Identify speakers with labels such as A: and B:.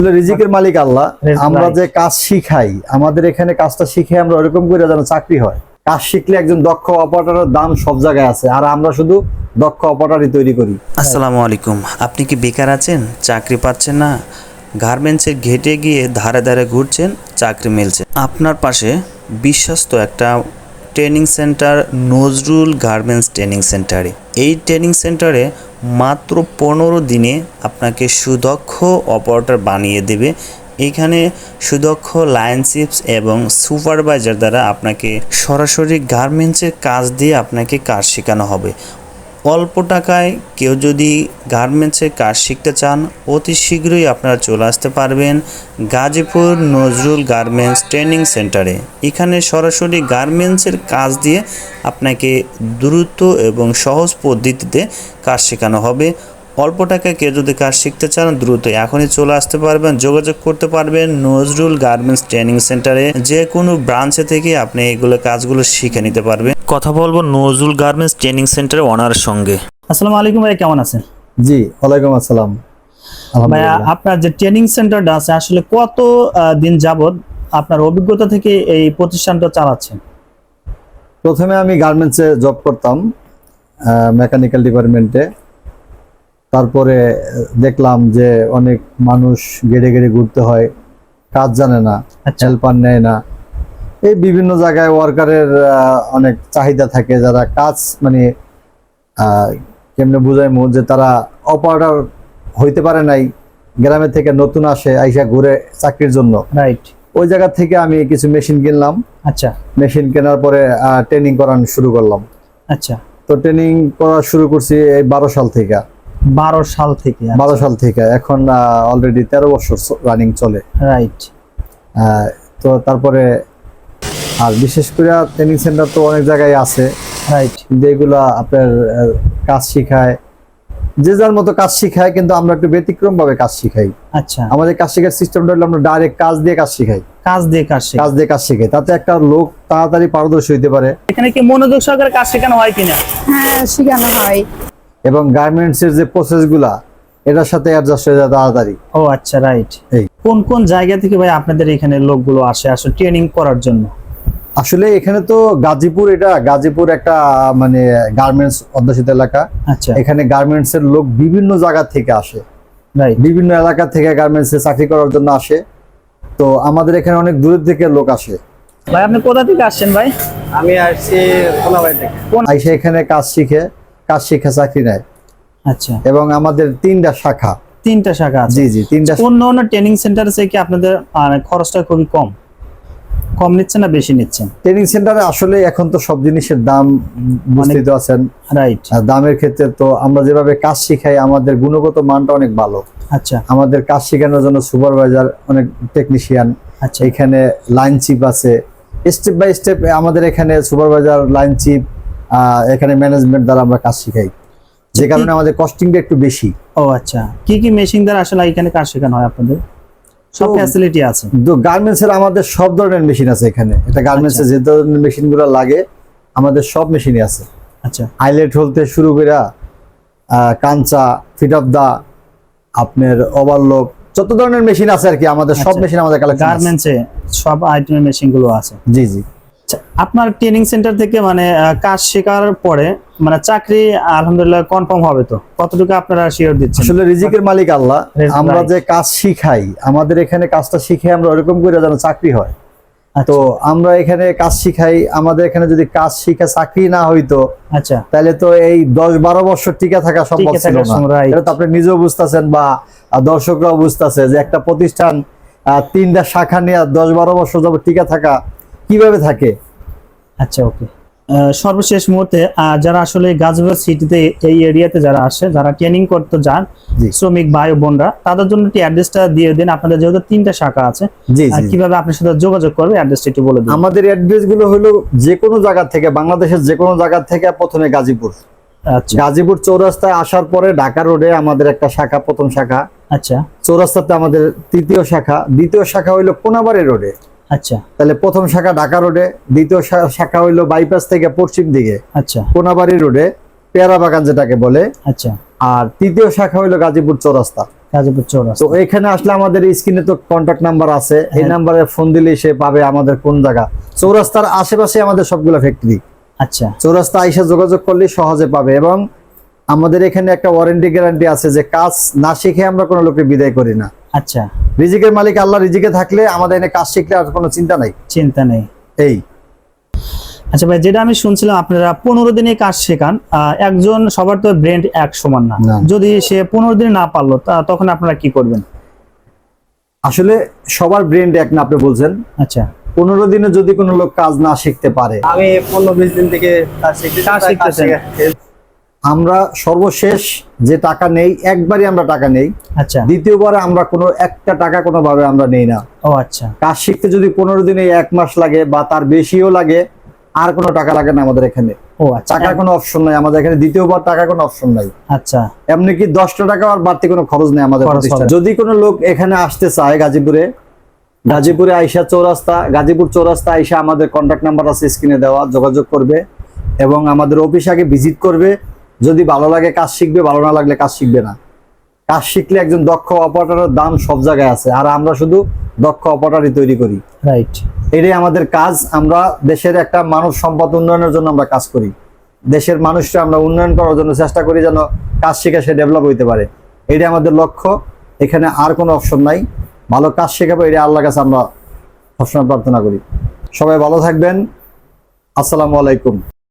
A: রিজিকের মালিক আল্লাহ। আমরা যে কাজ শিখাই, আমাদের এখানে কাজটা শিখে আমরা ওরকম করে যেন চাকরি হয়। কাজ শিখলে একজন দক্ষ অপারেটরের দাম সব জায়গায় আছে, আর আমরা শুধু দক্ষ অপারেটরই তৈরি করি।
B: আসসালামু আলাইকুম। আপনি কি বেকার আছেন, চাকরি পাচ্ছেন না, গার্মেন্টসের ঘেটে গিয়ে ধারে ধারে ঘুরছেন, চাকরি মিলছে? আপনার পাশে বিশ্বস্ত একটা training centre, Nazrul garments training সেন্টারে। এই ট্রেনিং সেন্টারে মাত্র 15 দিনে আপনাকে সুদক্ষ অপারেটর বানিয়ে দেবে। এখানে সুদক্ষ লাইনশিপস এবং সুপারভাইজার দ্বারা আপনাকে সরাসরি গার্মেন্টসের কাজ দিয়ে আপনাকে কাজ শেখানো হবে। অল্প টাকায় কেউ যদি গার্মেন্টসের কাজ শিখতে চান, অতি শীঘ্রই আপনারা চলে আসতে পারবেন গাজীপুর নজরুল গার্মেন্টস ট্রেনিং সেন্টারে। এখানে সরাসরি গার্মেন্টসের কাজ দিয়ে আপনাকে দ্রুত এবং সহজ পদ্ধতিতে কাজ শেখানো হবে। অল্প টাকায় কেউ যদি কাজ শিখতে চান, দ্রুত এখনই চলে আসতে পারবেন, যোগাযোগ করতে পারবেন নজরুল গার্মেন্টস ট্রেনিং সেন্টারে। যে কোনো ব্রাঞ্চে থেকে আপনি এগুলো কাজগুলো শিখে নিতে পারবেন। কথা বলবো নজরুল গার্মেন্টস ট্রেনিং সেন্টারের ওনারের সঙ্গে।
C: আসসালামু আলাইকুম ভাই, কেমন আছেন?
A: জি, ওয়ালাইকুম আসসালাম।
C: ভাইয়া, আপনার যে ট্রেনিং সেন্টারটা আছে আসলে কত দিন যাবত আপনার অভিজ্ঞতা থেকে এই প্রতিষ্ঠানটা চালাচ্ছেন?
A: প্রথমে আমি গার্মেন্টসে জব করতাম, মেকানিক্যাল ডিপার্টমেন্টে। তারপরে দেখলাম যে অনেক মানুষ গেড়ে গেড়ে ঘুরতে হয়, কাজ জানে না, হেল্পার নেয় না। এই বিভিন্ন জায়গায় ওয়ার্কারের অনেক চাহিদা থাকে, যারা কাজ মানে কেমনে বুঝাইমু যে তারা অপারেটর হইতে পারে নাই, গ্রামে থেকে নতুন আসে আইসা ঘুরে চাকরির জন্য।
C: রাইট।
A: ওই জায়গা থেকে আমি কিছু মেশিন কিনলাম।
C: আচ্ছা।
A: মেশিন কেনার পরে ট্রেনিং করানো শুরু করলাম।
C: আচ্ছা।
A: তো ট্রেনিং করা শুরু করছি এই 12 সাল থেকে।
C: 12 সাল থেকে?
A: 12 সাল থেকে এখন অলরেডি 13 বছর রানিং চলে।
C: রাইট।
A: তো তারপরে আর বিশেষ করে ট্রেনিং সেন্টার তো অনেক জায়গায় আছে।
C: রাইট।
A: যেগুলা আপনার কাজ শিখায়, যে যার মতো কাজ শিখায়, কিন্তু আমরা একটু ব্যতিক্রম ভাবে কাজ শিখাই।
C: আচ্ছা।
A: আমাদের কাজ শেখার সিস্টেমটা হলো আমরা ডাইরেক্ট কাজ দিয়ে কাজ শিখাই।
C: কাজ দিয়ে কাজ
A: শিখাই, তাতে একটা লোক তাড়াতাড়ি পারদর্শী হইতে পারে।
C: এখানে কি মনোযোগ সহকারে কাজ শেখানো হয় কিনা?
D: হ্যাঁ, শেখানো হয়।
A: এবং গার্মেন্টস এর যে প্রসেস গুলা এটার সাথে অ্যাডজাস্ট হয়ে যায় তাড়াতাড়ি।
C: ও আচ্ছা, রাইট।
A: এই
C: কোন কোন জায়গা থেকে ভাই আপনাদের এখানে লোকগুলো আসে আসলে ট্রেনিং করার জন্য?
A: আসলে এখানে তো গাজীপুর একটা মানে গার্মেন্টস অধ্যুষিত এলাকা।
C: আচ্ছা।
A: এখানে গার্মেন্টস এর লোক বিভিন্ন জায়গা থেকে আসে,
C: রাইট।
A: বিভিন্ন এলাকা থেকে গার্মেন্টস এ চাকরি করার জন্য আসে। তো আমাদের এখানে অনেক দূর থেকে লোক আসে।
C: ভাই, আপনি কোথা থেকে আসছেন ভাই?
E: আমি আসছি কোনাবাড়ি থেকে।
A: আইসে এখানে কাজ শিখে চাকরি নেয়।
C: আচ্ছা।
A: এবং আমাদের 3টা শাখা।
C: 3টা শাখা আছে?
A: জি জি, 3টা।
C: অন্য ট্রেনিং সেন্টার থেকে কি আপনাদের খরচটা খুবই কম নিচ্ছেন না বেশি নিচ্ছেন?
A: ট্রেনিং সেন্টারে আসলে এখন তো সব জিনিসের দাম বুঝতেই তো আছেন।
C: রাইট।
A: দামের ক্ষেত্রে তো আমরা যেভাবে কাজ শিখাই, আমাদের গুণগত মানটা অনেক ভালো।
C: আচ্ছা।
A: আমাদের কাজ শেখানোর জন্য সুপারভাইজার, অনেক টেকনিশিয়ান।
C: আচ্ছা।
A: এখানে লাইন চিপ আছে, স্টেপ বাই স্টেপ আমাদের এখানে সুপারভাইজার, লাইন চিপ, এখানে ম্যানেজমেন্ট দ্বারা আমরা কাজ শিখাই, যে কারণে আমাদের কস্টিংটা একটু বেশি।
C: ও আচ্ছা। কি কি মেশিন দ্বারা আসলে এখানে কাজ শেখানো হয় আপনাদের? সব ফ্যাসিলিটি আছে?
A: তো গার্মেন্টস এর আমাদের সব ধরনের মেশিন আছে এখানে। এটা গার্মেন্টস এর যে ধরনের মেশিনগুলো লাগে আমাদের সব মেশিনই আছে।
C: আচ্ছা।
A: আইলেট হলতে শুরু করে কাঞ্চা, ফিট অফ দা, আপনার ওভারলক, যত ধরনের মেশিন আছে আর কি, আমাদের সব মেশিন আমাদের কালেকশন আছে।
C: গার্মেন্টসে সব আইটেমের মেশিন গুলো আছে?
A: জি জি।
C: আপনার ট্রেনিং সেন্টার থেকে মানে কাজ শেখার পরে মানে চাকরি আলহামদুলিল্লাহ কনফার্ম হবে তো? কতটুকু আপনারা শিওর দিচ্ছেন?
A: আসলে রিজিকের মালিক আল্লাহ। আমরা যে কাজ শিখাই, আমাদের এখানে কাজটা শিখে আমরা ওরকম করে যেন চাকরি হয়। তো আমরা এখানে কাজ শিখাই, আমাদের এখানে যদি কাজ শিখে চাকরি না হইতো,
C: আচ্ছা,
A: তাহলে তো এই 10-12 বছর টিকে থাকা সম্ভব ছিল না। এটা তো আপনি নিজেও বুঝতেছেন বা দর্শকরাও বুঝতেছে যে একটা প্রতিষ্ঠান 3টা শাখা নিয়ে 10-12 বছর যাবত টিকে থাকা কিভাবে থাকে।
C: আচ্ছা, ওকে। সর্বশেষ মুহূর্তে যারা আসলে গাজীপুর সিটিতে এই এরিয়াতে যারা আসে, যারা ট্রেনিং করতে যান, শ্রমিক ভাই বোনরা, তাদের জন্য একটু অ্যাড্রেসটা দিয়ে দিন। আপনাদের যেহেতু 3টা শাখা আছে, কিভাবে আপনার সাথে যোগাযোগ করবে অ্যাড্রেসটা একটু বলে দিন।
A: আমাদের অ্যাড্রেস গুলো হলো যে কোনো জায়গা থেকে, বাংলাদেশের যে কোনো জায়গা থেকে, প্রথমে গাজীপুর।
C: আচ্ছা।
A: গাজীপুর চৌরাস্তায় আসার পরে ঢাকা রোডে আমাদের একটা শাখা, প্রথম শাখা।
C: আচ্ছা।
A: চৌরাস্তাতে আমাদের 3য় শাখা, দ্বিতীয় শাখা হইলো কোনাবাড়ি রোডে।
C: আচ্ছা।
A: তাহলে প্রথম শাখা ঢাকা রোডে, দ্বিতীয় শাখা হইলো বাইপাস থেকে পশ্চিম দিকে,
C: আচ্ছা,
A: কোনাবাড়ি রোডে, পেয়ারা বাগান যেটাকে বলে।
C: আচ্ছা।
A: আর তৃতীয় শাখা হইলো গাজীপুর চৌরাস্তা।
C: গাজীপুর চৌরাস্তা।
A: তো এখানে আসলে আমাদের স্ক্রিনে তো কন্ট্যাক্ট নাম্বার আছে, এই নাম্বারে ফোন দিলে সে পাবে আমাদের কোন জায়গা। চৌরাস্তার আশেপাশে আমাদের সবগুলো ফ্যাক্টরি,
C: আচ্ছা
A: চৌরাস্তা আইসা যোগাযোগ করলে সহজে পাবে। এবং আমাদের এখানে একটা ওয়ারেন্টি গ্যারান্টি আছে যে কাজ না শিখে আমরা কোনো লোককে বিদায় করি না।
C: আচ্ছা,
A: রিজিকের মালিক আল্লাহ, রিজিকে থাকলে আমাদের এখানে কাজ শিখলে আর কোনো চিন্তা নাই।
C: চিন্তা নেই।
A: এই
C: আচ্ছা ভাই, যেটা আমি শুনছিলাম আপনারা 15 দিনে কাজ শেখান। একজন সবার তো ব্রেন এক সমান না,
A: না।
C: যদি সে 15 দিনে না পারলো তখন আপনারা কি করবেন?
A: আসলে সবার ব্রেন এক না, আপনি বলছেন।
C: আচ্ছা,
A: 15 দিনে যদি কোনো লোক কাজ না শিখতে পারে,
E: আমি 15-20 দিন থেকে কাজ শিখতেছি।
C: কাজ শিখতেছেন।
A: আমরা সর্বশেষ যে টাকা নেই, একবারই আমরা টাকা নেই।
C: আচ্ছা,
A: দ্বিতীয়বারে আমরা কোনো একটা টাকা কোনোভাবে আমরা নেই না।
C: ও আচ্ছা,
A: কাজ শিখতে যদি 15 দিনে 1 মাস লাগে বা তার বেশিও লাগে, আর কোনো টাকা লাগে না আমাদের এখানে।
C: ও আচ্ছা,
A: টাকার কোনো অপশন নাই আমাদের এখানে, দ্বিতীয়বার টাকা কোনো অপশন নাই।
C: আচ্ছা,
A: এমনি কি 10টা টাকা আর বাড়তি কোনো খরচ নেই আমাদের
C: খরচ
A: প্রতিষ্ঠানে।
C: হবে।
A: যদি কোনো লোক এখানে আসতে চায় গাজীপুরে আইসা চৌরাস্তা, গাজীপুর চৌরাস্তা আইসা আমাদের কন্ট্যাক্ট নাম্বার আছে স্ক্রিনে দেওয়া, যোগাযোগ করবে এবং আমাদের অফিস আগে ভিজিট করবে। যদি ভালো লাগে কাজ শিখবে, ভালো না লাগলে কাজ শিখবে না। কাজ শিখলে একজন দক্ষ অপারেটরের দাম সব জায়গায় আছে, আর আমরা শুধু দক্ষ অপারেটরই তৈরি করি।
C: রাইট।
A: এটাই আমাদের কাজ। আমরা দেশের একটা মানব সম্পদ উন্নয়নের জন্য আমরা কাজ করি। দেশের মানুষকে আমরা উন্নয়ন করার জন্য চেষ্টা করি, যেন কাজ শিখে সে ডেভেলপ হইতে পারে। এটাই আমাদের লক্ষ্য। এখানে আর কোনো অপশন নাই। ভালো কাজ শেখাবো, এটা আল্লাহর কাছে আমরা সবসময় প্রার্থনা করি। সবাই ভালো থাকবেন। আসসালামু আলাইকুম।